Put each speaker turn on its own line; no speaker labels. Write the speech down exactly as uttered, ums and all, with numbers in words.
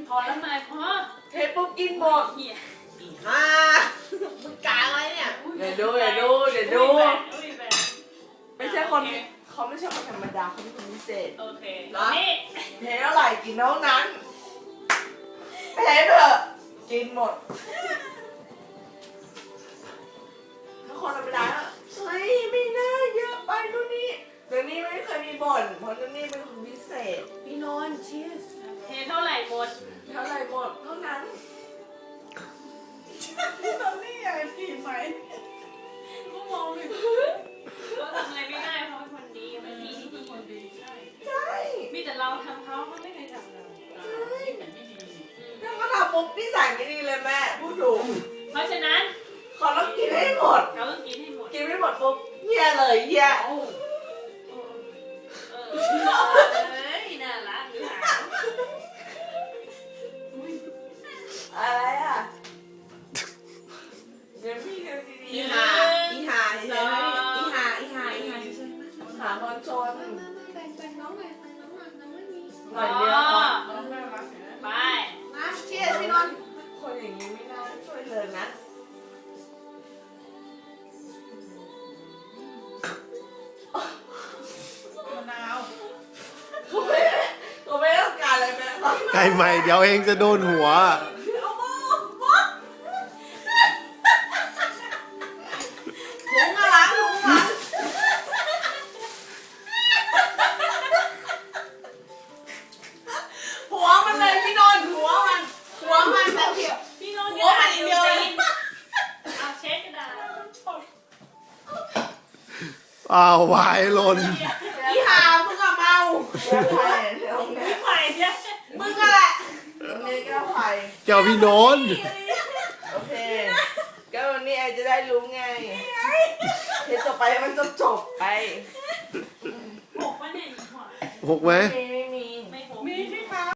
พอแล้วไหมพอ
เทปุ๊บกินหมด
เหี้ย
อ่ามึงกาอะไรเนี่ยเดี๋ยวดูเดี๋ยวดูเดี๋ยวดูไม่ใช่คนเขาไม่ใช่คนธรรมดาเขาเป็นคนพิเศษ
โอเค
นะ
นี่
เทเท่าไหร่กินเท่านั้นเทเถอะกินหมดถ้าคนธรรมดาเฮ้ยไม่น่าเยอะไปนู่นนี่เดี๋ยวนี้ไม่เคยมีบ่นเพราะนู่นนี่เป็นคนพิเศษพี่นนท์เชียร์
เทเท่าไหร่หมด
เท่าไหร่หมดเท่านั้นตอนนี้อยากกินไหม
ก็มองเลยก็ทำอะไรไม่ได้เพราะเป็นคนดีเป็นพี่ที่ดีคนดีใช่
ใช่
มีแต่เราทำเขาเขาไม่เคยทำเราแต่ไม่ดี
ถ้าเขาทำมุกนิสัยไม่ดีเลยแม่พูดถูก
เพราะฉะนั้น
เขาต้องกินให้หมด
เราต้องกินให้หมด
กินไม่หมดปุ๊บเหี้ยเลยเหี้ย
เออเอ้ยน่ารักหรือเปล่า
อะไรอ่ะเดี๋ยวพี่เดี๋ยวดี
อีหาอีหาเฉยๆไหมอีหาอีหาอีหาเฉยๆไหม
ๆหาคนชน
แบ่งแบ่งน้องหน่อยแบ่งน้องหน่อยน้องไม่มี
หน่อยเดียวพอ
ไป
มาเชียร์พี่นนท์
คนอย่างนี้ไม่น่าช่วยเลยนะ
มะนาว
เขาไม่เขาไม่ต้องการอะไรแม่เขา
ไก่ใหม่เดี๋ยวเองจะโดนหัว
เอาโม่โม่
ถุงอะไรถุงอะไร
หัวมันเลยพี่นนท์หัวมันหัวมันแต่เดียว
พี่โน้ต
หัวมันอีกเดียวเลย
เอาเช็คกระดาษ
อ้าววายหล่น
อีหามึงอะเมา
แก้วไผ่เดี๋ยวแม่
ไม่ไหวเนี่ย
มึงอะแหละ
วันนี้แก้วไผ่
เจ้าพี่โนนท์
โอเคก็วันนี้ไอจะได้รู้ไงเทจบไปให้มันจบจบๆไป
หกวะเนี่ยหก
หกไหม
โอเค